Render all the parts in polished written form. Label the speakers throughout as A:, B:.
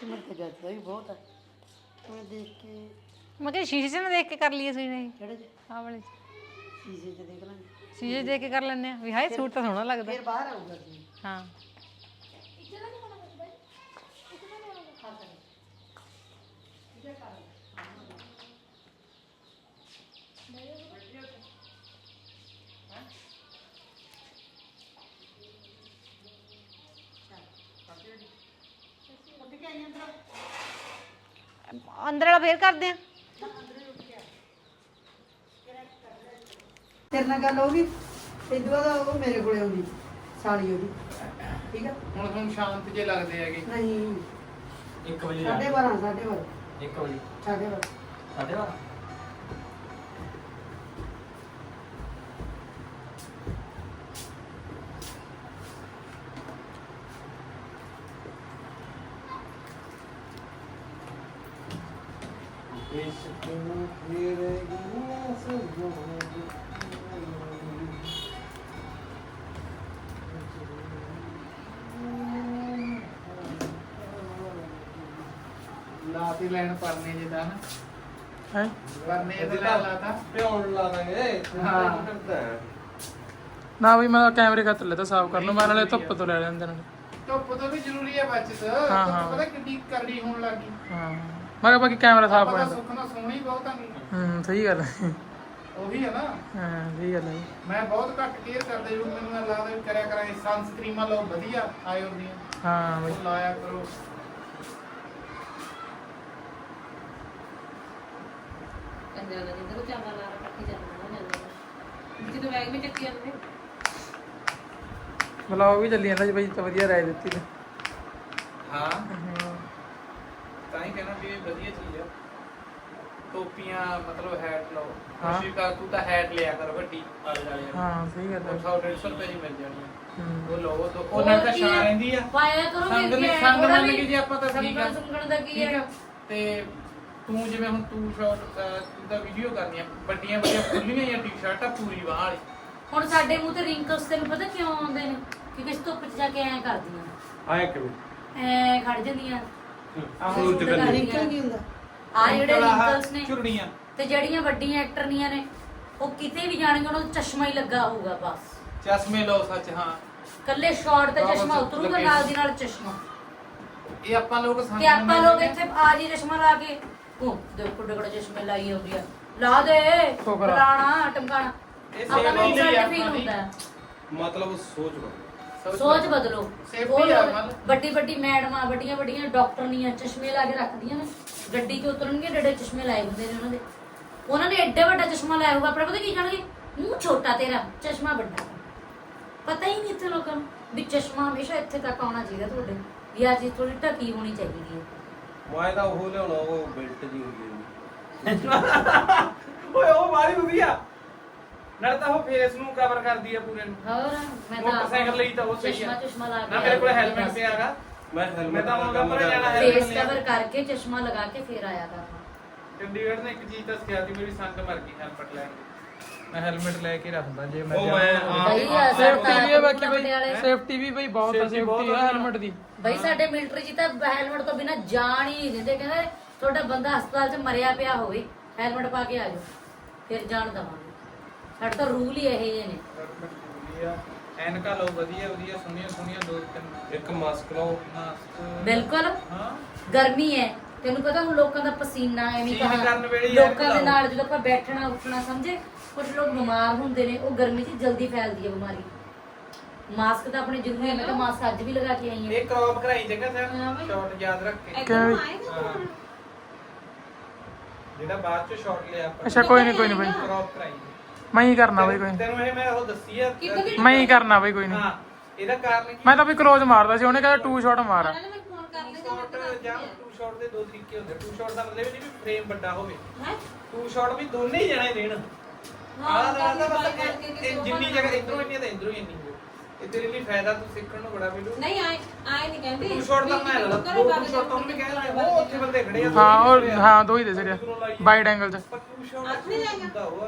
A: Customer के जाता है बहुत है मैं देख के
B: मैं क्या शीशे से ना देख के कर लिए सी नहीं
A: चढ़े
B: हाँ वाले
A: शीशे से देख लेंगे
B: शीशे देख के कर लेने भी हाय सूट तो सोहना लगदा
A: फिर बाहर आऊंगा जी
B: हाँ अंदर वाला फेर कर दें
A: तेरे ਨਾਲ ਗੱਲ ਹੋਗੀ ਇਦੋਂ ਦਾ ਉਹ ਮੇਰੇ ਕੋਲੇ ਆਉਂਦੀ ਸਾਲੀ ਉਹਦੀ ਠੀਕ ਆ
C: ਹੁਣ ਸ਼ਾਂਤ ਜੇ ਲੱਗਦੇ ਹੈਗੇ
A: ਨਹੀਂ
D: 1 ਵਜੇ
A: 12:30
D: 1 ਵਜੇ
A: 12:30
D: 12:30
C: ਲਾਤੀ ਲੈਣ ਪਰਨੇ ਜਿੱਦਾਂ ਨਾ
B: है
C: ਪਰਨੇ ਇਹਦੇ ਨਾਲ ਲਾਤਾ
D: ਪਿਉਣ ਲਾ ਦਾਂਗੇ
C: ਹਾਂ।
B: ना भाई मैं कैमरे का लेता साफ कर लो मैं नाले धुप तो ले लेंदे नाले
C: ਧੁੱਪ ਤੋਂ ਵੀ ਜ਼ਰੂਰੀ ਹੈ ਬਚਤ
B: ਹਾਂ।
C: ਧੁੱਪ ਪਤਾ ਕਿੰਨੀ ਕਰੜੀ ਹੋਣ ਲੱਗੀ
B: हाँ मैं बाकी कैमरा साफ
C: ਆਪਾਂ
B: कर
C: ਤਾਂ ਸੁੱਖ ਨਾਲ ਸੋਹਣੀ ਬਹੁਤ ਆ
B: सही गल है
C: ਉਹੀ ਹੈ ਨਾ
B: हाँ सही गल है
C: ਮੈਂ ਬਹੁਤ ਘੱਟ ਕੇਅਰ ਕਰਦਾ ਜਦੋਂ ਮੈਨੂੰ ਇਹ ਲੱਗਦਾ ਵੀ ਕਰਿਆ ਕਰਾਂ ਸਨਸਕ੍ਰੀਮਾਂ ਲਾਓ ਵਧੀਆ ਆਇਓ ਦੀਆਂ
B: हाँ भाई
C: ਉਹ ਲਾਇਆ ਕਰੋ
E: ਕੰਜਰਾ ਦਾ ਜਿੰਦਰ ਚਾਵਲ ਲਾ ਰੱਖੀ ਜਾਂਦਾ ਨਾ ਜਦੋਂ ਬੈਗ ਵਿੱਚ ਚੱਕੀ ਜਾਂਦੇ
B: ब्लॉग भी चली जाता जी भाई तो ਵਧੀਆ ਰਾਏ ਦਿੱਤੀ ਤੇ
C: ਹਾਂ ਤਾਂ ਹੀ ਕਹਿਣਾ ਵੀ ਇਹ ਵਧੀਆ ਚੀਜ਼ ਆ ਟੋਪੀਆਂ ਮਤਲਬ ਹੈਟ ਲਓ
B: ਹਾਂ।
C: ਕੋਸ਼ਿਸ਼ ਕਰ ਤੂੰ ਤਾਂ ਹੈਟ ਲਿਆ ਕਰ ਵੱਡੀ ਆਲੇ ਵਾਲੇ
B: ਹਾਂ ਸਹੀ ਗੱਲ ਹੈ
C: 150 ਰੁਪਏ ਦੀ ਮਿਲ ਜਾਣੀ ਆ।
B: ਹੂੰ।
C: ਉਹ ਲਓ ਉਹ ਨਾਲ ਤਾਂ ਛਾਂ ਰਹਿੰਦੀ ਆ
E: ਪਾਇਆ ਕਰੋ
C: ਸੰਗ
E: ਵੀ
C: ਸੰਗ ਮੰਨ ਕੇ ਜੇ ਆਪਾਂ ਤਾਂ ਠੀਕ ਆ
E: ਸੰਗਣ ਦਾ ਕੀ
C: ਠੀਕ
E: ਹੈ
C: ਆ ਤੇ ਤੂੰ ਜਿਵੇਂ ਹੁਣ ਤੂੰ ਸ਼ਾਰਟ ਤੂੰ ਤਾਂ ਵੀਡੀਓ ਕਰਨੀ ਆ ਵੱਡੀਆਂ ਵੱਡੀਆਂ ਖੁੱਲੀਆਂ ਜਾਂ ਟੀ-ਸ਼ਰਟਾਂ ਪੂਰੀ ਬਾਹ ਵਾਲੀ
E: ਹੁਣ ਸਾਡੇ ਮੂੰਹ ਤੇ ਰਿੰਕਲਸ ਤੈਨੂੰ ਪਤਾ ਕਿਉਂ ਆਉਂਦੇ ਨੇ ਕਿਉਂਕਿ ਧੁੱਪ 'ਚ ਜਾ ਕੇ ਐਂ ਕਰਦੀਆਂ
D: ਆਏ ਕਿਵੇਂ
E: ਐ ਖੜ ਜਾਂਦੀਆਂ
D: ਸੂਰਜ
E: ਸੂਰਜ
D: ਕਰਨੀ।
A: ਰਿੰਕਲ ਨਹੀਂ ਹੁੰਦਾ
E: ਆ ਜਿਹੜੇ ਰਿੰਕਲਸ ਨੇ
C: ਝੁਰੜੀਆਂ
E: ਤੇ ਜਿਹੜੀਆਂ ਵੱਡੀਆਂ ਐਕਟਰਨੀਆਂ ਨੇ ਉਹ ਕਿਤੇ ਵੀ ਜਾਣਗੇ ਉਹਨਾਂ ਨੂੰ ਚਸ਼ਮਾ ਹੀ ਲੱਗਾ ਹੋਊਗਾ ਬਸ
C: ਚਸ਼ਮੇ ਲਓ ਸੱਚ ਹਾਂ
E: ਕੱਲੇ ਸ਼ਾਰਟ ਤੇ
C: ਬਸ
E: ਚਸ਼ਮਾ ਉਤਰੂਗਾ
C: ਲੱਗੇ।
E: ਨਾਲ ਦੀ ਨਾਲ ਚਸ਼ਮਾ
C: ਇਹ ਆਪਾਂ ਲੋਕ ਸੰਗ
E: ਤੇ ਆਪਾਂ
C: ਮੰਨ
E: ਲੋਕ
C: ਲੈਂਦੇ ਆ।
E: ਇੱਥੇ ਆ ਜੀ ਚਸ਼ਮਾ ਲਾ ਕੇ ਉਹ ਦੇਖੋ ਡਗੜਾ ਚਸ਼ਮੇ ਲਾਈ ਆਉਂਦੀ ਆ ਲਾ ਦੇ
B: ਠੋਕਰਾ।
E: ਫਲਾਣਾ ਟਮਕਾਣਾ
C: ਇਹ
E: ਆਪਾਂ ਨੂੰ
C: ਸੇਵਾ
E: ਇਨਸਲਟ
C: ਹੁੰਦੀ
E: ਫੀਲ
C: ਆ
E: ਹੁੰਦਾ ਹੈ।
D: ਮਤਲਬ ਸੋਚ ਲਓ
E: ਸੋਚ ਬਦਲੋ
C: Safety
E: ਉਹ
C: ਆ
E: ਲੋਕ
C: ਮਤਲਬ।
E: ਵੱਡੀ ਵੱਡੀ ਮੈਡਮਾਂ ਵੱਡੀਆਂ ਵੱਡੀਆਂ ਡਾਕਟਰਨੀਆਂ ਚਸ਼ਮੇ ਲਾ ਕੇ ਰੱਖਦੀਆਂ ਨੇ ਗੱਡੀ 'ਚ ਉਤਰਨਗੇ ਡੱਡੇ ਚਸ਼ਮੇ ਲਾਏ ਹੁੰਦੇ ਨੇ ਉਹਨਾਂ ਨੇ ਐਡਾ ਵੱਡਾ ਚਸ਼ਮਾ ਲਾਇਆ ਹੋਊਗਾ ਆਪਣੇ ਪਤਾ ਕੀ ਕਹਿਣਗੇ ਮੂੰਹ ਛੋਟਾ ਤੇਰਾ ਚਸ਼ਮਾ ਵੱਡਾ ਪਤਾ ਹੀ ਨਹੀਂ ਇੱਥੇ ਲੋਕਾਂ ਨੂੰ ਵੀ ਚਸ਼ਮਾ ਹਮੇਸ਼ਾ ਇੱਥੇ ਤੱਕ ਆਉਣਾ ਚਾਹੀਦਾ ਤੁਹਾਡੇ ਜਾਂ ਚੀਜ਼ ਥੋੜੀ ਢਕੀ ਹੋਣੀ ਚਾਹੀਦੀ ਹੈ
D: ਮੈਂ ਤਾਂ ਉਹ ਲਿਆਉਣਾ ਉਹ ਬੈਲਟ ਜੀ ਹੁੰਦੀ ਹੈ
C: ਓਏ ਉਹ ਮਾਰੀ ਵਧੀਆ ਨਾਲ ਤਾਂ ਉਹ ਫੇਸ ਨੂੰ ਕਵਰ ਕਰਦੀ ਆ ਪੂਰੇ ਨੂੰ
E: ਹੋਰ ਮੈਂ ਤਾਂ
C: ਮੋਟਰਸਾਈਕਲ ਲਈ ਤਾਂ ਉਹ ਸਹੀ ਆ
E: ਚਸ਼ਮਾ ਚਸ਼ਮਾ ਲਾ ਕੇ
C: ਨਾ ਮੇਰੇ ਕੋਲ ਹੈਲਮਟ ਪਿਆ ਹੈਗਾ
D: ਮੈਂ
C: ਮੈਂ
D: ਹੈਲਮਟ
C: ਤਾਂ ਹੁਣ ਕੰਮ ਜਾਣਾ ਹੈ।
E: ਫੇਸ ਕਵਰ ਕਰਕੇ ਚਸ਼ਮਾ ਲਗਾ ਕੇ ਫੇਰ ਆਇਆ ਕਰਨਾ
C: ਚੰਡੀਗੜ੍ਹ ਨੇ ਇੱਕ ਚੀਜ਼ ਤਾਂ ਸਿਖਾਈ ਸੀ ਮੇਰੀ ਸੰਗ ਮਰ ਗਈ ਹੈਲਮਟ ਲੈਣ ਦੀ ਮੈਂ ਹੈਲਮਟ ਲੈ ਕੇ ਰੱਖਦਾ ਜੇ ਮੈਂ
D: ਉਹ ਮੈਂ
E: ਬਈ
B: ਸੇਫਟੀ ਵੀ ਹੈ ਬਾਕੀ
E: ਪਟਿਆਲੇ।
B: ਭਾਈ ਸੇਫਟੀ ਵੀ ਭਾਈ ਬਹੁਤ ਹੈ
C: Safety ਬਹੁਤ
B: ਸੇਫਟੀ
C: ਆ।
B: ਹੈ ਹੈਲਮਟ ਦੀ
E: ਬਈ ਸਾਡੇ ਮਿਲਟਰੀ ਜੀ ਤਾਂ ਹੈਲਮਟ ਤੋਂ ਬਿਨਾ ਜਾਣ ਹੀ ਨਹੀਂ ਦਿੰਦੇ ਕਹਿੰਦੇ ਤੁਹਾਡਾ ਬੰਦਾ ਹਸਪਤਾਲ 'ਚ ਮਰਿਆ ਪਿਆ ਹੋਵੇ ਹੈਲਮਟ ਪਾ ਕੇ ਆ ਜਾਓ ਫਿਰ ਜਾਣ ਦਵਾਂਗੇ ਸਾਡੇ ਤਾਂ ਰੂਲ ਹੀ ਇਹ ਜਿਹੇ ਨੇ
C: ਐਨਕਾਂ ਲਓ ਵਧੀਆ ਵਧੀਆ ਸੋਹਣੀਆਂ ਸੋਹਣੀਆਂ ਦੋ ਤਿੰਨ
D: ਇੱਕ ਮਾਸਕ ਲਾਓ
C: ਮਾਸਕ
E: ਬਿਲਕੁਲ
C: ਹਾਂ
E: ਗਰਮੀ ਹੈ ਤੈਨੂੰ ਪਤਾ ਹੁਣ ਲੋਕਾਂ ਦਾ ਪਸੀਨਾ ਐਵੇਂ
C: ਸੀਨ ਕਰਨ ਵੇਲੇ ਹੀ ਐਨਕ
E: ਲੋਕਾਂ ਦੇ
C: ਲਾਓ।
E: ਨਾਲ ਜਦੋਂ ਆਪਾਂ ਬੈਠਣਾ ਉੱਠਣਾ ਸਮਝੇ ਕੁਝ ਲੋਕ ਬਿਮਾਰ ਹੁੰਦੇ ਨੇ ਉਹ ਗਰਮੀ 'ਚ ਜਲਦੀ ਫੈਲਦੀ ਹੈ ਬਿਮਾਰੀ ਮਾਸਕ ਤਾਂ ਆਪਣੇ ਜ਼ਰੂਰੀ ਹੈ ਮੈਂ ਤਾਂ ਮਾਸਕ ਅੱਜ ਵੀ ਲਗਾ ਕੇ ਆਈ ਹਾਂ
C: ਇਹ ਕ੍ਰੌਪ ਕਰਾਈ ਜਗ੍ਹਾ ਸਰ ਸ਼ਾਰਟ ਯਾਦ ਰੱਖ ਕੇ
B: ਕਿਵੇਂ
C: ਹਾਂ। ਜਿਹੜਾ ਬਾਅਦ ਚ ਸ਼ਾਰਟ ਲਿਆ ਆਪਾਂ
B: ਅੱਛਾ ਕੋਈ ਨਹੀਂ ਭਾਈ
C: ਕ੍ਰੌਪ ਕਰਾਈ
B: ਮੈਂ ਹੀ ਕਰਨਾ ਭਾਈ ਕੋਈ ਨੀ।
C: ਤੈਨੂੰ ਇਹ ਮੈਂ ਉਹ ਦੱਸੀ ਆ
B: ਮੈਂ ਹੀ ਕਰਨਾ ਭਾਈ ਕੋਈ ਨਹੀਂ
C: ਹਾਂ ਇਹਦਾ ਕਾਰਨ ਕੀ
B: ਮੈਂ ਤਾਂ ਵੀ ਕਲੋਜ਼ ਮਾਰਦਾ ਸੀ ਉਹਨੇ ਕਹਿੰਦਾ 2 ਸ਼ਾਟ ਮਾਰ
C: ਸ਼ਾਰਟ ਜਾਂ ਟੂ ਸ਼ਾਟ ਦੇ ਦੋ ਤਰੀਕੇ ਹੁੰਦੇ ਟੂ ਸ਼ਾਟ ਦਾ ਮਤਲਬ ਇਹ ਨਹੀਂ ਵੀ ਫਰੇਮ ਵੱਡਾ ਹੋਵੇ ਟੂ ਸ਼ਾਟ ਵੀ ਦੋਨੇ ਹੀ ਜਣੇ ਦੇਣ ਆਹ ਦਾ ਮਤਲਬ ਇਹ ਜਿੰਨੀ ਜਗ੍ਹਾ ਇਧਰੋਂ ਇੰਨੀ ਤੇ ਇਧਰੋਂ ਇੰਨੀ ਇਹ ਤੇਰੇ ਲਈ ਫਾਇਦਾ ਤੂੰ ਸਿੱਖਣ ਨੂੰ ਬੜਾ ਮਿਲੂ
F: ਨਹੀਂ ਆਏ ਨਹੀਂ ਕਹਿੰਦੇ
C: ਟੂ ਸ਼ਾਟ ਤਾਂ ਮੈਂ ਲਾ ਦੋ ਟੂ ਸ਼ਾਟ ਤਾਂ ਉਹਨੇ ਕਹਿ ਉਹ ਉੱਥੇ ਬੰਦੇ ਖੜੇ ਆ
B: ਹਾਂ ਉਹ ਹਾਂ ਦੋ ਹੀ ਦੇ ਸਿਰੇ ਵਾਈਡ ਐਂਗਲ 'ਚ
C: ਪਰ ਟੂ ਸ਼ਾਟ
F: ਹੱਥ ਨਹੀਂ ਲਾਏਗਾ।
C: ਹੁੰਦਾ ਹੋਆ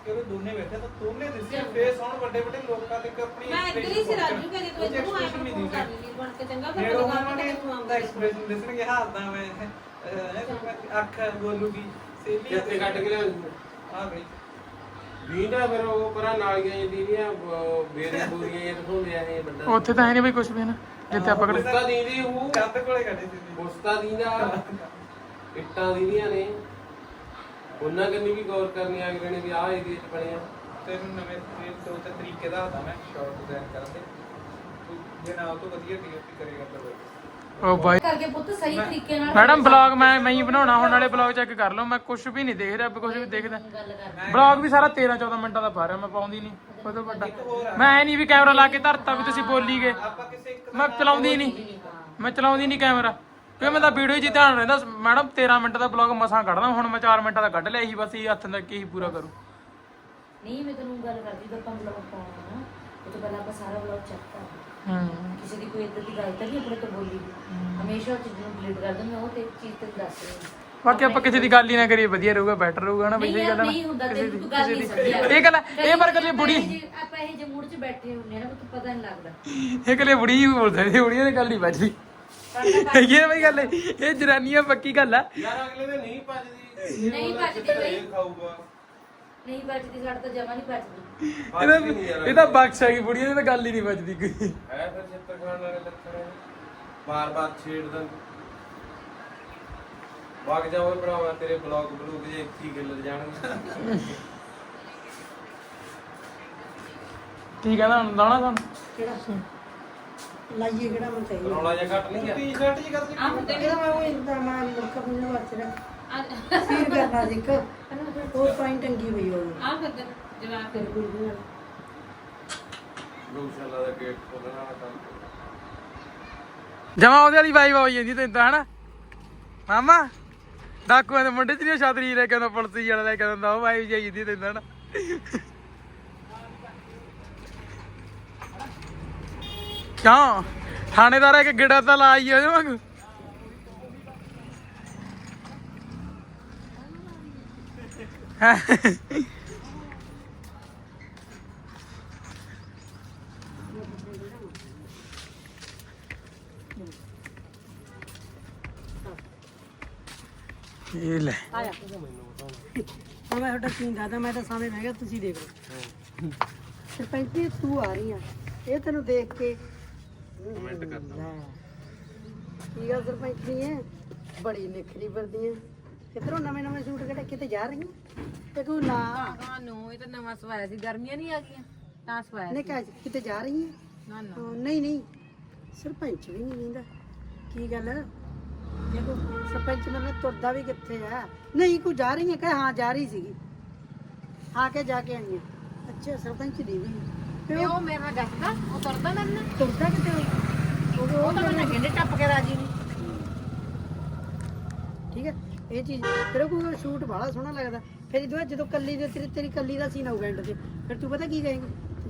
C: ਕੇ ਉਹ ਦੋਨੇ ਬੈਠੇ ਤਾਂ ਦੋਨੇ ਦਿਸੇ ਫੇਸ ਹੁਣ ਵੱਡੇ ਵੱਡੇ ਲੋਕਾਂ ਤੇ ਆਪਣੀ
F: ਮੈਂ ਇੱਧਰ ਹੀ ਸੀ ਰਾਜੂ ਕਦੇ ਕੋਈ ਤੂੰ ਆਇਆ ਕਰ ਲਈ ਬਣ ਕੇ ਚੰਗਾ ਫਿਰ
C: ਫਿਰ
F: ਲਗਾ
C: ਉਹਨਾਂ
F: ਕੇ
C: ਨੇ
F: ਤੂੰ
C: ਦਾ
F: ਆਉਂਦਾ
C: ਐਕਸਪ੍ਰੈਸ਼ਨ ਦਿਸਣਗੇ ਹਾਰਦਾ ਮੈਂ ਅੱਖ ਬੋਲੂਗੀ ਸੇਲੀ
D: ਕਿੱਥੇ ਕੱਢ ਕੇ ਲਿਆ
C: ਆ ਬਈ
D: ਵੀਂਦਾ ਫਿਰ ਉਹ ਪਰਾਂ ਨਾਲੀਆਂ ਜਿਹੜੀਆਂ ਬੇਰੇ ਬੂਰੀਆਂ ਇਹ ਤੋਂ ਲਿਆ ਇਹ ਬੰਦਾ
B: ਉੱਥੇ ਤਾਂ ਹੈ ਨਹੀਂ ਬਈ ਕੁਝ ਵੀ ਨਾ ਜਿੱਥੇ ਆਪਾਂ ਖੜੇ
D: ਮੁਸਤਾ ਦੀਦੀ ਉਹ
C: ਕੰਧ ਕੋਲੇ ਖੜੇ ਸੀ
D: ਮੁਸਤਾ ਦੀਦਾ ਇੱਟਾਂ ਦੀਆਂ ਨੇ ਉਹਨਾਂ ਕੰਨੀ ਵੀ ਗੌਰ ਕਰਨੀ ਆ ਗਏ ਨੇ ਵੀ ਆਹ ਏਰੀਆ ਚ ਬਣਿਆ
C: ਤੈਨੂੰ ਨਵੇਂ ਦੋ ਤੇ ਤਰੀਕੇ ਦਾ ਹੁੰਦਾ ਮੈਂ ਸ਼ਾਰਟ ਡਿਜ਼ਾਈਨ ਕਰਨ ਦੇ ਤੂੰ ਜੇ ਨਾ ਉਹ ਤੋਂ ਵਧੀਆ ਡੀਓਪੀ ਕਰੇਗਾ ਤਾਂ ਬਈ
B: ਉਹ ਬਾਈ
E: ਕਰਕੇ ਪੁੱਤ ਸਹੀ ਤਰੀਕੇ ਨਾਲ
B: ਮੈਡਮ ਬਲੌਗ ਮੈਂ ਹੀ ਬਣਾਉਣਾ ਹੁਣ ਨਾਲੇ ਬਲੌਗ ਚੈੱਕ ਕਰ ਲਓ ਮੈਂ ਕੁਝ ਵੀ ਨਹੀਂ ਦੇਖ ਰਿਹਾ ਕੁਝ ਵੀ ਦੇਖਦਾ
E: ਗੱਲ ਕਰ
B: ਬਲੌਗ ਵੀ ਸਾਰਾ 13-14 ਮਿੰਟਾਂ ਦਾ ਪਾ ਰਿਹਾ ਮੈਂ ਪਾਉਂਦੀ ਨਹੀਂ ਉਹ ਤੋਂ ਵੱਡਾ ਮੈਂ ਐ ਨਹੀਂ ਵੀ ਕੈਮਰਾ ਲਾ ਕੇ ਧਰਤਾ ਵੀ ਤੁਸੀਂ ਬੋਲੀ ਗਏ
C: ਆਪਾਂ ਕਿਸੇ ਇੱਕ
B: ਮੈਂ ਚਲਾਉਂਦੀ ਨਹੀਂ ਮੈਂ ਚਲਾਉਂਦੀ ਨਹੀਂ ਕੈਮਰਾ ਕਿਉਂ ਮੈਂ ਤਾਂ ਵੀਡੀਓ 'ਚ ਹੀ ਧਿਆਨ ਰਹਿੰਦਾ ਮੈਡਮ 13 ਮਿੰਟ ਦਾ ਬਲੌਗ ਮਸਾਂ ਕੱਢਦਾ ਹੁਣ ਮੈਂ 4 ਮਿੰਟਾਂ ਦਾ ਕੱਢ ਲਿਆ ਇਹੀ ਬਸ ਇਹ ਹੱਥ ਤੱਕ ਹੀ ਪੂਰਾ ਕਰੂ
E: ਨਹੀਂ ਮੈਂ ਤੈਨੂੰ ਗੱਲ ਕਰਦੀ ਤਾਂ ਆਪਾਂ ਬਲੌਗ ਪਾਉਣਾ ਨਾ ਉਹ ਤੋਂ ਪਹਿਲਾਂ ਆਪਾਂ ਸਾਰਾ ਬਲੌਗ ਚੈੱਕ ਕਰਦੇ ਕਿਸੇ ਦੀ ਕੋਈ ਇਦਾਂ ਦੀ ਗੱਲ ਤਾਂ ਨਹੀਂ ਆਪਣੇ ਤੋਂ ਬੋਲੀ ਹਮੇਸ਼ਾ ਉਹ ਚੀਜ਼ ਨੂੰ ਡਿਲੀਟ ਕਰ ਦਿੰਦੇ ਉਹ ਤੇ ਇੱਕ ਚੀਜ਼ ਤੇ ਦੱਸ ਰਹੀ ਹਾਂ
B: ਬਾਕੀ ਆਪਾਂ ਕਿਸੇ ਦੀ ਗੱਲ ਹੀ ਨਾ ਕਰੀਏ ਵਧੀਆ ਰਹੂਗਾ ਬੈਟਰ ਰਹੂਗਾ ਨਾ ਬਈ ਸਹੀ ਗੱਲ ਹੈ
E: ਨਹੀਂ ਹੁੰਦਾ ਤੈਨੂੰ ਤੂੰ ਗੱਲ ਨਹੀਂ ਸਮਝਿਆ
B: ਇਹ ਗੱਲ ਇਹ ਪਰ ਕਦੇ ਬੁੜੀ
E: ਆਪਾਂ ਇਹ ਜੇ ਮੂਡ 'ਚ ਬੈਠੇ ਹੁੰਨੇ ਨਾ ਤੂੰ ਪਤਾ ਨਹੀਂ ਲੱਗਦਾ
B: ਇਹ ਕਦੇ ਬੁੜੀ ਹੀ ਬੋਲਦਾ ਇਹ ਬੁੜੀਆਂ ਦੀ ਗੱਲ ਨਹੀਂ ਵੱਜਦੀ ਇਹ ਬਈ ਗੱਲ ਇਹ ਜਨਾਨੀਆਂ ਪੱਕੀ ਗੱਲ ਆ
D: ਯਾਰ ਅਗਲੇ ਦੇ ਨਹੀਂ ਭੱਜਦੀ
E: ਨਹੀਂ ਭੱਜਦੀ ਬਈ
D: ਇਹ ਖਾਊਗਾ
E: ਨਹੀਂ ਬਚਦੀ ਸਾਡਾ ਤਾਂ ਜਮਾ ਨਹੀਂ ਬਚਦੀ
B: ਇਹ ਤਾਂ ਬਖਸ਼ ਹੈਗੀ ਬੁੜੀਆਂ ਦੀ ਤਾਂ ਗੱਲ ਹੀ ਨਹੀਂ ਵੱਜਦੀ ਕੋਈ
D: ਹੈ ਫਿਰ ਚਿੱਤਰ ਖਾਣ ਵਾਲੇ ਲੱਛਣ ਬਾਰ-ਬਾਰ ਛੇੜਦਾ ਵਗ ਜਾ ਓਏ ਭਰਾਵਾ ਤੇਰੇ ਬਲੌਗ ਬਲੂਗ ਜੇ ਇੱਥੇ ਹੀ ਗਿੱਲ ਜਾਣਗੇ
B: ਕੀ ਕਹਿੰਦਾ ਹੁਣ ਲਾਉਣਾ ਤੁਹਾਨੂੰ
A: ਕਿਹੜਾ ਲਾਈਏ ਕਿਹੜਾ ਮੈਂ ਚਾਹੀਦਾ
D: ਰੌਲਾ ਜਿਹਾ ਘੱਟ ਨਹੀਂ ਗਿਆ
C: ਟੀ-ਸ਼ਰਟ ਜੀ ਕਰਦੀ
F: ਆ ਹੁੰਦੇ
A: ਇਹਦਾ ਮੈਂ ਉਹ ਇੰਦਾ ਮੈਂ ਲੋਕਾਂ ਨੂੰ ਵਾਚ ਰਿਹਾ ਸੀਰ ਕਰਨਾ ਜਿੱਕ ਉਹ ਪਾਇੰਟ ਟੰਗੀ ਹੋਈ ਉਹ
F: ਆ ਫਿਰ ਜਵਾਬ
A: ਫਿਰ ਕੋਈ ਵੀ
D: ਗਊਸ਼ਾਲਾ ਦਾ ਗੇਟ ਖੋਲਣਾ ਕੰਮ
B: ਜਮਾ ਉਹਦੇ ਵਾਲੀ ਵਾਈਬ ਹੋਈ ਜਾਂਦੀ ਤੈਨੂੰ ਤਾਂ ਹਨਾ ਮਾਮਾ ਡਾਕੂਆਂ ਦੇ ਮੁੰਡੇ ਚ ਨਹੀਂ ਛਤਰੀ ਲੈ ਕੇ ਆਉਂਦਾ ਪੁਲਿਸ ਵਾਲਾ ਲੈ ਕੇ ਆਉਂਦਾ ਉਹ ਵਾਈਬ ਜਾਈ ਜਾਂਦੀ ਤੈਨੂੰ ਹਨਾ ਕਿਉਂ ਥਾਣੇਦਾਰ ਹੈ ਕਿ ਗਿੜਾ ਤਾਂ ਲਾਈ ਉਹਦੇ ਵਾਂਗੂ ਇਹ ਲੈ
A: ਆਇਆ ਹੁਣ ਮੈਂ ਤੁਹਾਡਾ ਕੀ ਦੱਸਦਾ ਮੈਂ ਤਾਂ ਸਾਹਮਣੇ ਬਹਿ ਗਿਆ ਤੁਸੀਂ ਦੇਖ ਲਓ ਸਰਪੰਚ ਜੀ ਤੂੰ ਆ ਰਹੀ ਆ ਇਹ ਤੈਨੂੰ ਦੇਖ ਕੇ
D: ਕਮੈਂਟ ਕਰਦਾ
A: ਕੀ ਗੱਲ ਸਰਪੰਚ ਨਹੀਂ ਹੈ ਬੜੀ ਨਿਖਰੀ ਫਿਰਦੀ ਹੈ ਕਿਧਰੋਂ ਨਵੇਂ ਸੂਟ ਕਿਹੜੇ ਕਿਤੇ ਜਾ ਰਹੀ ਹੈ ਤੇ ਤੂੰ ਨਾ
F: ਨੂੰ ਇਹ ਤਾਂ ਨਵਾਂ ਸਵਾਇਆ ਸੀ ਗਰਮੀਆਂ ਨਹੀਂ ਆ ਗਈਆਂ ਤਾਂ ਸਵਾਇਆ
A: ਨੇ ਕਿਹਾ ਕਿਤੇ ਜਾ ਰਹੀ ਹੈ
F: ਨਾ ਨਾ
A: ਨਹੀਂ ਸਰਪੰਚ ਵੀ ਨਹੀਂ ਕਹਿੰਦਾ ਕੀ ਗੱਲ ਦੇਖੋ ਸਰਪੰਚ ਮੈਨੂੰ ਤੁਰਦਾ ਵੀ ਕਿੱਥੇ ਆ ਨਹੀਂ ਕੋਈ ਜਾ ਰਹੀ ਹੈ ਕਹੇ ਹਾਂ ਜਾ ਰਹੀ ਸੀਗੀ ਹਾਂ ਕੇ ਜਾ ਕੇ ਆਈ ਹੈ ਅੱਛਾ ਸਰਪੰਚ ਦੀ ਵੀ
F: ਤੇ ਉਹ ਮੇਰੇ ਨਾਲ ਗੱਸਦਾ ਉਹ ਤੁਰਦਾ ਮੇਰੇ ਨਾਲ
A: ਤੁਰਦਾ ਕਿਤੇ
F: ਉਹ ਤਾਂ ਮੈਨੂੰ ਕਹਿੰਦੇ ਟੱਪ ਕੇ ਰਾਜੀ ਨਹੀਂ
A: ਠੀਕ ਹੈ ਇਹ ਚੀਜ਼ ਤੇਰੇ ਕੋਲ ਸ਼ੂਟ ਬੜਾ ਸੋਹਣਾ ਲੱਗਦਾ ਫਿਰ ਇਹ ਜਦੋਂ ਕੱਲੀ ਦੇ ਤੇਰੀ ਕੱਲੀ ਦਾ ਸੀਨ ਆਊਗਾ ਐਂਡ ਤੇ ਫਿਰ ਤੂੰ ਪਤਾ ਕੀ ਕਹੇਂਗੀ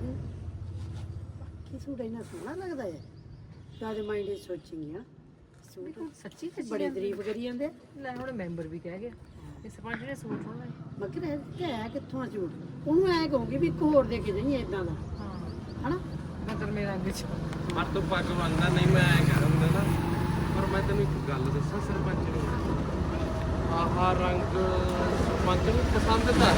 A: ਕੀ ਸੂਟ ਇੰਨਾ ਸੋਹਣਾ ਲੱਗਦਾ ਹੈ ਤਾਂ ਮਾਈਂਡ ਇਸ ਸੋਚਿੰਗ ਆ ਸੂਟ
F: ਸੱਚੀ
A: ਬੜੇ ਤਾਰੀਫ ਕਰੀ ਜਾਂਦੇ
F: ਲੈ ਹੁਣ ਮੈਂਬਰ ਵੀ ਕਹਿ ਗਿਆ ਇਹ ਸਰਪੰਚ ਨੇ ਸੂਟ ਹੋਣਾ
A: ਮਗਰ ਇਹ ਹੈ ਕਿੱਥੋਂ ਆ ਸੂਟ ਉਹਨੂੰ ਐ ਕਹੂੰਗੀ ਵੀ ਇੱਕ ਹੋਰ ਦੇ ਕੇ ਜਾਈਂ ਇਦਾਂ ਦਾ
F: ਹਾਂ
A: ਹਨਾ
F: ਮਤਲਬ ਮੇਰਾ ਅੰਗ ਚ
D: ਪਰ ਤੂੰ ਪੱਗ ਬੰਨਦਾ ਨਹੀਂ ਮੈਂ ਐ ਕਰ ਹੁੰਦਾ ਨਾ ਪਰ ਮੈਂ ਤੈਨੂੰ ਇੱਕ ਗੱਲ ਦੱਸਾਂ ਸਰਪੰਚ ਨੂੰ ਆਹ ਰੰਗ ਸਰਪੰਚ ਨੂੰ ਪਸੰਦ ਤਾਂ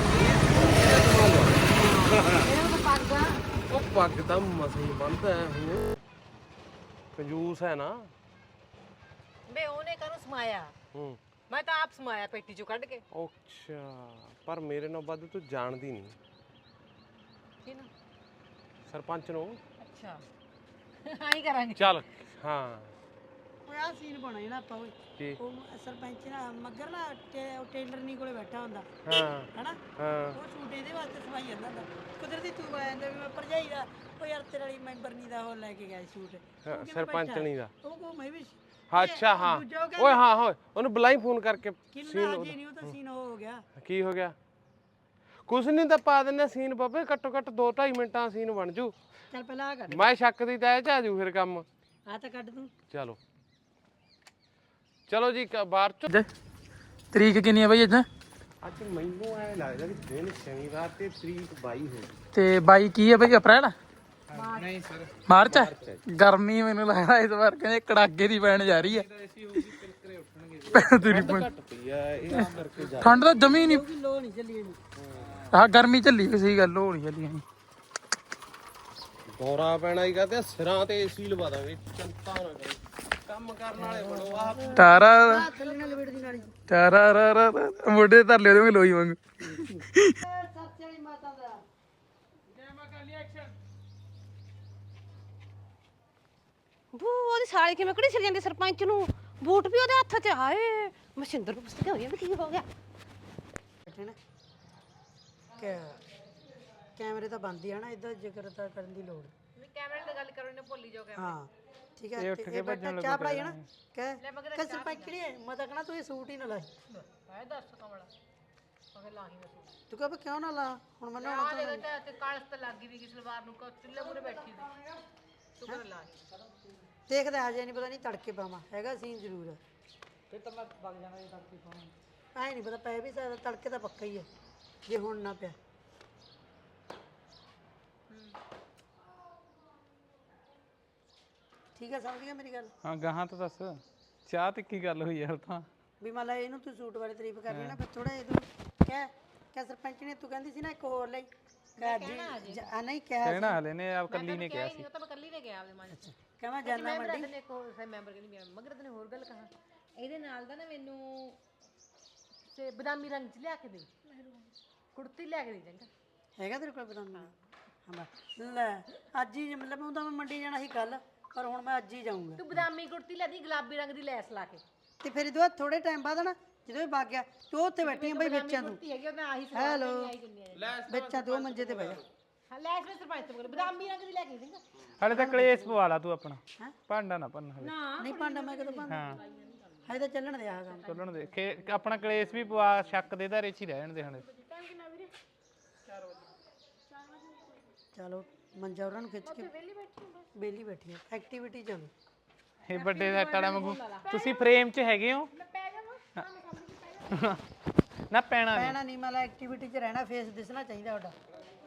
F: ਇਹ ਤਾਂ ਪੱਗਾ
D: ਉਹ ਪੱਗ ਤਾਂ ਮਸਾਂ ਹੀ ਬੰਨਦਾ ਹੈ ਉਹ ਕੰਜੂਸ ਹੈ ਨਾ
F: ਬੇ ਉਹਨੇ ਕਾਹਨੂੰ ਸਮਾਇਆ
D: ਹੂੰ
F: ਮੈਂ ਤਾਂ ਆਪ ਸਮਾਇਆ ਪੇਟੀ ਚੋਂ ਕੱਢ ਕੇ
D: ਅੱਛਾ ਪਰ ਮੇਰੇ ਨਾਲ ਵੱਧ ਤੂੰ ਜਾਣਦੀ ਨਹੀਂ
F: ਕਿਹਨੂੰ
D: ਸਰਪੰਚ ਨੂੰ
F: ਅੱਛਾ ਆਈ ਕਰਾਂਗੇ
D: ਚੱਲ ਹਾਂ
A: ਓਏ ਆ ਸੀਨ ਬਣਾ ਜਿਹੜਾ ਆਪਾਂ ਓਏ
D: ਕੀ
A: ਉਹ ਸਰਪੰਚ ਨਾ ਮਗਰ ਨਾ ਟੇਲਰ ਨਹੀਂ ਕੋਲੇ ਬੈਠਾ ਹੁੰਦਾ
D: ਹਾਂ
A: ਹਨਾ
D: ਹਾਂ
A: ਉਹ ਸੂਟ ਇਹਦੇ ਵਾਸਤੇ ਸਵਾਈ ਜਾਂਦਾ ਹੁੰਦਾ ਕੁਦਰਤੀ ਤੂੰ ਆ ਜਾਂਦਾ ਵੀ ਮੈਂ ਭਰਜਾਈ ਦਾ ਉਹ ਯਾਰ ਤੇਰੇ ਵਾਲੀ ਮੈਂਬਰ ਨਹੀਂ ਦਾ ਉਹ ਲੈ ਕੇ ਗਿਆ ਸੂਟ
D: ਹਾਂ, ਸਰਪੰਚਣੀ ਦਾ
A: ਉਹ ਕੋ ਮੈਂ ਵੀ
D: ਅੱਛਾ ਹਾਂ ਓਏ ਹਾਂ ਹੋਏ ਉਹਨੂੰ ਬੁਲਾਈ ਫੋਨ ਕਰਕੇ
A: ਕਿੰਨਾ ਜੀ ਨਹੀਂ ਉਹ ਤਾਂ ਸੀਨ ਹੋ ਗਿਆ
D: ਕੀ ਹੋ ਗਿਆ ਕੁਛ ਨਹੀਂ ਤਾਂ ਪਾ ਦਿੰਦੇ ਸੀਨ ਬਾਬੇ ਘੱਟੋ ਘੱਟ 2-2.5 ਮਿੰਟਾਂ ਸੀਨ ਬਣ ਜੂ
A: ਚੱਲ ਪਹਿਲਾਂ ਆ ਕੱਢ
D: ਮੈਂ ਸ਼ੱਕ ਦੀ ਤੈ ਚ ਆ ਜੂ ਫਿਰ ਕੰਮ
A: ਆ ਤਾਂ ਕੱਢ ਤੂੰ
D: ਚਲੋ ਚਲੋ ਜੀ ਬਾਹਰ ਚ
B: ਤਰੀਕ ਕਿੰਨੀ ਹੈ ਬਈ ਅੱਜ
D: ਅੱਜ ਮੈਨੂੰ ਐ ਲੱਗਦਾ ਵੀ ਦਿਨ ਸ਼ਨੀਵਾਰ ਤੇ ਤਰੀਕ 22 ਹੋ ਗਈ।
B: ਤੇ ਬਾਈ ਕੀ ਹੈ ਬਈ ਅਪ੍ਰੈਲ
D: ਨਹੀਂ ਸਰ
B: ਮਾਰਚ ਹੈ। ਗਰਮੀ ਮੈਨੂੰ ਲੱਗਦਾ ਇਸ ਵਾਰ ਕਹਿੰਦੇ ਕੜਾਕੇ ਦੀ ਪੈਣ ਜਾ ਰਹੀ ਹੈ।
D: ਐਸੀ ਹੋਊਗੀ ਪਿਲਕਰੇ ਉੱਠਣਗੇ
B: ਤੇਰੀ
D: ਘੱਟ ਪਈ ਆ ਇਸ ਕਰਕੇ ਜਾ
B: ਠੰਡ ਤਾਂ ਜਮੀ ਨਹੀਂ।
A: ਲੋ ਨਹੀਂ ਚੱਲੀ ਇਹਨੂੰ
B: ਆਹ ਗਰਮੀ ਝੱਲੀ ਸਹੀ ਗੱਲ ਹੋ ਰਹੀ ਚੱਲੀ ਨਹੀਂ।
D: ਦੌਰਾ ਪੈਣਾ ਹੀ ਕਹਤੇ ਸਿਰਾਂ ਤੇ ਏਸੀ ਲਵਾ ਦਾਂਗੇ ਚਿੰਤਾ ਨਾ ਕਰੋ ਕੰਮ ਕਰਨ ਵਾਲੇ ਬਣੋ ਆਹ
B: ਤਾਰਾ
A: ਥੱਲੇ ਨਾਲ ਲਪੇਟ ਦੀ ਨਾਲੀ
B: ਤਾਰਾ ਰਾ ਰਾ ਰਾ ਮੋਢੇ ਧਰ ਲਿਓ ਤੇ ਲੋਈ ਵਾਂਗ।
A: ਸੱਚ ਵਾਲੀ ਮਾਤਾ ਦਾ
F: ਬੂ ਉਹਦੀ ਸਾਲੀ ਕਿਵੇਂ ਕਿਹੜੀ ਸਿਰ ਜਾਂਦੀ ਸਰਪੰਚ ਨੂੰ ਬੂਟ ਵੀ ਉਹਦੇ ਹੱਥ 'ਚ ਹਾਏ ਮਸ਼ਿੰਦਰ ਨੂੰ ਪੁੱਛਦੇ ਹੋਈ ਵੀ ਕੀ ਹੋ ਗਿਆ
A: ਬੈਠੇ ਨਾ ਕੈਮਰੇ ਤਾਂ ਬੰਦ ਹੀ ਆ ਨਾ ਇਦਾਂ ਜ਼ਿਕਰ ਤਾਂ ਕਰਨ ਦੀ ਲੋੜ
F: ਨਹੀਂ ਕੈਮਰੇ ਤੇ ਗੱਲ ਕਰੋ ਨੇ ਭੁੱਲੀ ਜਾਓ
A: ਹਾਂ ਠੀਕ ਹੈ ਇਹ ਬੈਠਾ ਚਾਹ ਪੜਾਈ ਨਾ ਕਹਿ ਸਰਪੰਚ ਕਿਹੜੀ ਹੈ ਮੈਂ ਤਾਂ ਕਹਣਾ ਤੂੰ ਇਹ ਸੂਟ ਹੀ ਨਾ ਲਾਈ
F: ਹੈ ਦੱਸ ਕਮਲਾ ਅਗੇ ਲਾਹੀ ਮੈਂ
A: ਤੂੰ ਕਹ ਕਿਉਂ ਨਾ ਲਾ ਹੁਣ ਮੈਨੂੰ
F: ਆ ਦੇਖੋ ਤੇ ਕਾਲਸ ਤੇ ਲੱਗ ਗਈ ਵੀ ਸਲਵਾਰ ਨੂੰ ਚੁੱਲ੍ਹੇ ਮੂਰੇ ਬੈਠੀ ਸੀ ਤੂੰ ਕਰ ਲਾ
A: ਦੇਖਦਾ ਹਜੇ ਨਹੀਂ ਪਤਾ ਨਹੀਂ ਤੜਕੇ ਪਾਵਾਂ ਹੈਗਾ ਸੀਨ ਜ਼ਰੂਰ ਹੈ ਫਿਰ ਤਾਂ ਮੈਂ ਵਗ ਜਾਣਾ ਜੇ ਤੜਕੇ ਪਾਵਾਂ ਐ ਨਹੀਂ ਪਤਾ ਪੈ ਵੀ ਸਕਦਾ ਤੜਕੇ ਤਾਂ ਪੱਕਾ ਹੀ ਹੈ ਜੇ ਹੁਣ ਨਾ ਪਿਆ ਠੀਕ ਹੈ ਸਮਝ ਗਿਆ ਮੇਰੀ ਗੱਲ
B: ਹਾਂ ਗਾਹਾਂ ਤਾਂ ਦੱਸ ਚਾਹ ਤੇ ਕੀ ਗੱਲ ਹੋਈ ਯਾਰ ਤਾਂ
A: ਵੀ ਮੰਨ ਲਾ ਇਹਨੂੰ ਤੂੰ ਸੂਟ ਬਾਰੇ ਤਾਰੀਫ ਕਰਨੀ ਨਾ ਫਿਰ ਥੋੜਾ ਇਹਨੂੰ ਕਹਿ ਸਰਪੰਚ ਨੇ ਤੂੰ ਕਹਿੰਦੀ ਸੀ ਨਾ ਇੱਕ ਹੋਰ ਲਈ ਕਹਿ ਜੀ ਆ ਨਹੀਂ
B: ਕਹਿਣਾ ਹਲੇ ਨੇ ਆਪ ਕੱਲੀ ਨੇ ਕਿਹਾ ਸੀ।
F: ਉਹ ਤਾਂ ਮੈਂ ਕੱਲੀ ਨੇ ਗਿਆ ਆਪਦੇ ਮਨ 'ਚ
A: ਕਹਿੰਦਾ ਜਾਨਾ ਮੰਡੀ
F: ਨੇ ਇੱਕ ਹੋਰ ਮੈਂਬਰ ਕਹਿੰਦੀ ਮੈਂ ਮਗਰ ਤੈਨੂੰ ਹੋਰ ਗੱਲ ਕਹਾਂ ਇਹਦੇ ਨਾਲ ਦਾ ਨਾ ਮੈਨੂੰ ਤੇ ਬਦਾਮੀ ਰੰਗ 'ਚ ਲਿਆ ਕੇ ਦੇ ਕੁੜਤੀ ਲਿਆ ਕੇ ਦੇ ਚੰਗਾ
A: ਹੈਗਾ ਤੇਰੇ ਕੋਲ ਬਦਾਮ ਹਾਂ ਲੈ ਅੱਜ ਹੀ ਮਤਲਬ ਉਹ ਤਾਂ ਮੈਂ ਮੰਡੀ ਜਾਣਾ ਸੀ ਕੱਲ ਪਰ ਹੁਣ ਮੈਂ ਅੱਜ ਹੀ ਜਾਊਂਗਾ
F: ਤੂੰ ਬਦਾਮੀ ਕੁੜਤੀ ਲੈ ਦੀ ਗੁਲਾਬੀ ਰੰਗ ਦੀ ਲੈਸ ਲਾ ਕੇ
A: ਤੇ ਫਿਰ ਇਹਦੇ ਬਾਅਦ ਥੋੜੇ ਟਾਈਮ ਬਾਅਦ ਨਾ ਜਦੋਂ ਇਹ ਵਗ ਗਿਆ ਤੂੰ ਉੱਥੇ ਬੈਠੀ ਆ ਬਈ ਵਿੱਚਾਂ ਤੂੰ
F: ਕੁੜਤੀ ਹੈਗੀ ਉਹ ਮੈਂ ਆਹੀ
A: ਹੈਲੋ ਵਿੱਚਾਂ ਤੂੰ ਮੰਜੇ ਤੇ ਬਹਿ ਜਾ
F: ਹਾਂ ਲੈਸ ਵਿੱਚ ਸਰਪੰਚ ਤੋਂ ਬੋਲ ਬਦਾਮੀ ਰੰਗ ਦੀ ਲੈ ਕੇ ਦੇ ਚੰਗਾ
B: ਹਲੇ ਤਾਂ ਕਲੇਸ਼ ਪਵਾ ਲਾ ਤੂੰ ਆਪਣਾ ਭਾਂਡਾ ਨਾ ਭੰਨ ਹਲੇ
A: ਨਹੀਂ ਭਾਂਡਾ ਮੈਂ ਕਦੋਂ ਭਾਂਡਾ
B: ਹਾਂ
A: ਹਜੇ ਤਾਂ ਚੱਲਣ ਦੇ ਆ ਕੰਮ
B: ਚੱਲਣ ਦੇ ਆਪਣਾ ਕਲੇਸ਼ ਵੀ ਪਵਾ ਸ਼ੱਕ ਦੇ ਧਾਰੇ 'ਚ ਹੀ ਰਹਿਣ ਦੇ ਹਲੇ।
A: ਚਲੋ ਮੰਜਾ ਉਹਨਾਂ ਨੂੰ ਖਿੱਚ ਕੇ ਬੇਲੀ ਬੈਠੀ ਆ ਐਕਟੀਵਿਟੀ ਚੱਲ
B: ਇਹ ਵੱਡੇ ਸੈੱਟ ਵਾਲਾ ਵਾਂਗੂ ਤੁਸੀਂ ਫਰੇਮ 'ਚ ਹੈਗੇ ਹੋ ਨਾ ਪੈਣਾ ਨਹੀਂ।
A: ਪੈਣਾ ਨਹੀਂ ਮਤਲਬ ਐਕਟੀਵਿਟੀ 'ਚ ਰਹਿਣਾ ਫੇਸ ਦਿਸਣਾ ਚਾਹੀਦਾ ਤੁਹਾਡਾ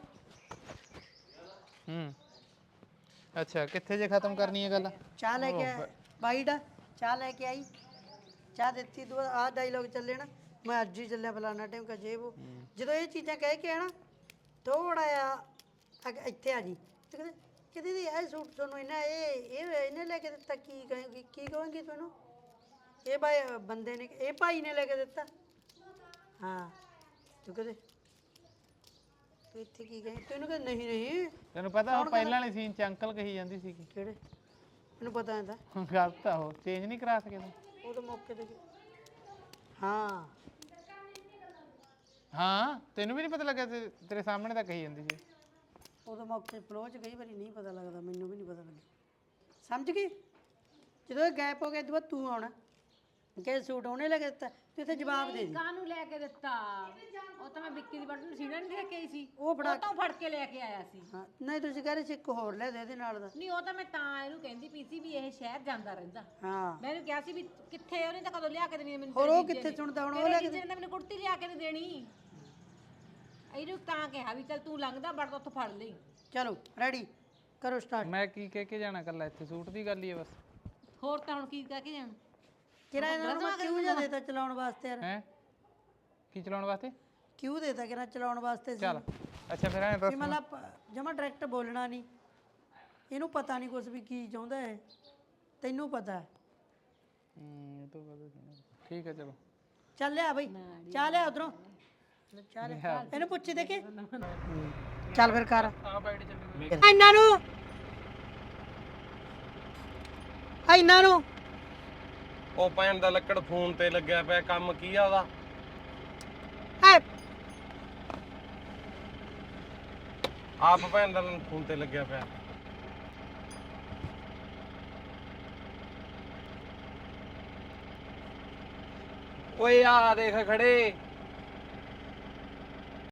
B: ਅੱਛਾ ਕਿੱਥੇ ਜੇ ਖਤਮ ਕਰਨੀ ਹੈ ਗੱਲ।
A: ਚਾਹ ਲੈ ਕੇ ਬਾਈਟ ਚਾਹ ਲੈ ਕੇ ਆਈ ਚਾਹ ਦਿੱਤੀ ਤੂੰ ਆਹ ਡਾਇਲੋਗ ਚੱਲੇ ਨਾ ਮੈਂ ਅੱਜ ਹੀ ਚੱਲਿਆ ਫਲਾਣਾ ਟਾਈਮ ਕਾ ਜੇ ਉਹ ਜਦੋਂ ਇਹ ਚੀਜ਼ਾਂ ਕਹਿ ਕੇ ਆਣਾ ਥੋੜਾ ਆ ਇੱਥੇ ਆ ਜੀ ਤੇ ਕਿਤੇ ਦੀ ਇਹ ਸੂਟ ਤੁਹਾਨੂੰ ਇਹਨੇ ਲੈ ਕੇ ਦਿੱਤਾ ਕੀ ਕਹੇਂਗੀ ਤੁਹਾਨੂੰ ਇਹ ਭਾਈ ਬੰਦੇ ਨੇ ਇਹ ਭਾਈ ਨੇ ਲੈ ਕੇ ਦਿੱਤਾ ਹਾਂ ਤੂੰ ਕਹਦੇ ਤੂੰ ਇੱਥੇ ਕੀ ਕਹੇ ਤੈਨੂੰ ਕਹ ਨਹੀਂ
B: ਤੈਨੂੰ ਪਤਾ ਉਹ ਪਹਿਲਾਂ ਵਾਲੇ ਸੀਨ 'ਚ ਅੰਕਲ ਕਹੀ ਜਾਂਦੀ ਸੀ
A: ਕਿਹੜੇ ਮੈਨੂੰ ਪਤਾ ਹੈ ਤਾਂ
B: ਗਲਤ ਆ ਉਹ ਚੇਂਜ ਨਹੀਂ ਕਰਾ ਸਕੇ ਤੂੰ।
A: ਉਹ ਤਾਂ ਮੌਕੇ ਤੇ ਹਾਂ
B: ਹਾਂ ਤੈਨੂੰ ਵੀ ਨਹੀਂ ਪਤਾ ਲੱਗਿਆ ਤੇਰੇ ਸਾਹਮਣੇ ਤਾਂ ਕਹੀ ਜਾਂਦੀ ਸੀ।
A: ਉਦੋਂ ਮੌਕੇ ਫਲੋ 'ਚ ਕਈ ਵਾਰੀ ਨਹੀਂ ਪਤਾ ਲੱਗਦਾ ਮੈਨੂੰ ਵੀ ਨਹੀਂ ਪਤਾ ਲੱਗਿਆ ਸਮਝ ਗਈ ਜਦੋਂ ਇਹ ਗੈਪ ਹੋ ਗਿਆ ਦੁਬਾਰਾ ਤੂੰ ਆਉਣਾ ਕਿ ਸੂਟ ਉਹਨੇ ਲੈ ਕੇ ਦਿੱਤਾ ਤੂੰ ਇੱਥੇ ਜਵਾਬ ਦੇ ਦੇ
F: ਕਾਹਨੂੰ ਲੈ ਕੇ ਦਿੱਤਾ ਉਹ ਤਾਂ ਮੈਂ ਵਿੱਕੀ ਦੀ ਬਟਨ ਸੀਣਾ ਨਹੀਂ ਲੈ ਕੇ ਆਈ ਸੀ
A: ਉਹ ਫੜਾ
F: ਤਾਂ ਫੜ ਕੇ ਲੈ ਕੇ ਆਇਆ ਸੀ
A: ਹਾਂ ਨਹੀਂ ਤੁਸੀਂ ਕਹਿ ਰਹੇ ਸੀ ਇੱਕ ਹੋਰ ਲੈ ਦੇ ਇਹਦੇ ਨਾਲ ਦਾ
F: ਨਹੀਂ ਉਹ ਤਾਂ ਮੈਂ ਤਾਂ ਇਹਨੂੰ ਕਹਿੰਦੀ ਪਈ ਸੀ ਵੀ ਇਹ ਸ਼ਹਿਰ ਜਾਂਦਾ ਰਹਿੰਦਾ
A: ਹਾਂ
F: ਮੈਂ ਇਹਨੂੰ ਕਿਹਾ ਸੀ ਵੀ ਕਿੱਥੇ ਉਹਨੇ ਤਾਂ ਕਦੋਂ ਲਿਆ ਕੇ ਦੇਣੀ ਮੈਨੂੰ
A: ਹੋਰ ਉਹ ਕਿੱਥੇ ਸੁਣਦਾ ਹੁਣ ਉਹ ਲੈ ਕੇ
F: ਜਿਹਨੇ ਮੈਨੂੰ ਕੁੜਤੀ ਲਿਆ ਕੇ ਨਹੀਂ ਦੇਣੀ ਇਹਨੂੰ ਤਾਂ ਕਿਹਾ ਵੀ ਚੱਲ ਤੂੰ ਲੰਘਦਾ ਬੜ ਉੱਥੋਂ ਫੜ ਲਈ
A: ਚਲੋ ਰੈਡੀ ਕਰੋ ਸਟਾਰਟ
B: ਮੈਂ ਕੀ ਕਹਿ ਕੇ ਜਾਣਾ ਕੱਲਾ ਇੱਥੇ ਸੂਟ ਦੀ ਗੱਲ ਹੀ ਹੈ ਬਸ।
F: ਹੋਰ ਤਾਂ ਹੁਣ ਕੀ ਕਹਿ ਕੇ ਜਾਣ
A: ਕਿਹੜਾ ਇਹਨਾਂ ਨੂੰ ਮੈਂ ਕਿਉਂ ਜਾ ਦੇਤਾ ਚਲਾਉਣ ਵਾਸਤੇ ਯਾਰ
B: ਹੈ ਕੀ ਚਲਾਉਣ ਵਾਸਤੇ
A: ਕਿਉਂ ਦੇਤਾ ਕਿਹੜਾ ਚਲਾਉਣ ਵਾਸਤੇ ਸੀ
B: ਚੱਲ ਅੱਛਾ ਫਿਰ ਐਂ ਦੱਸ
A: ਵੀ ਮਤਲਬ ਜਮਾ ਡਾਇਰੈਕਟ ਬੋਲਣਾ ਨਹੀਂ ਇਹਨੂੰ ਪਤਾ ਨਹੀਂ ਕੁਝ ਵੀ ਕੀ ਚਾਹੁੰਦਾ ਹੈ ਤੈਨੂੰ ਪਤਾ ਹੈ
B: ਇਹ ਤਾਂ ਪਤਾ ਸੀ ਨਾ। ਠੀਕ ਹੈ ਚਲੋ
A: ਚੱਲ ਲਿਆ ਬਈ ਚਾਹ ਲਿਆ ਉਧਰੋਂ ਚਾਹ ਲਿਆ ਇਹਨੂੰ ਪੁੱਛੀ ਦੇਖੀ ਚੱਲ ਫਿਰ ਕਰ
B: ਆ ਬਾਈਟ ਚੱਲੀ
A: ਇਹਨਾਂ ਨੂੰ
D: ਉਹ ਭੈਣ ਦਾ ਲੱਕੜ ਫੋਨ ਤੇ ਲੱਗਿਆ ਪਿਆ ਕੰਮ ਕੀ ਆ ਉਹਦਾ
A: ਐ
D: ਆਪ ਭੈਣ ਦਾ ਫੋਨ ਤੇ ਲੱਗਿਆ ਪਿਆ ਓਏ ਆ ਦੇਖ ਖੜੇ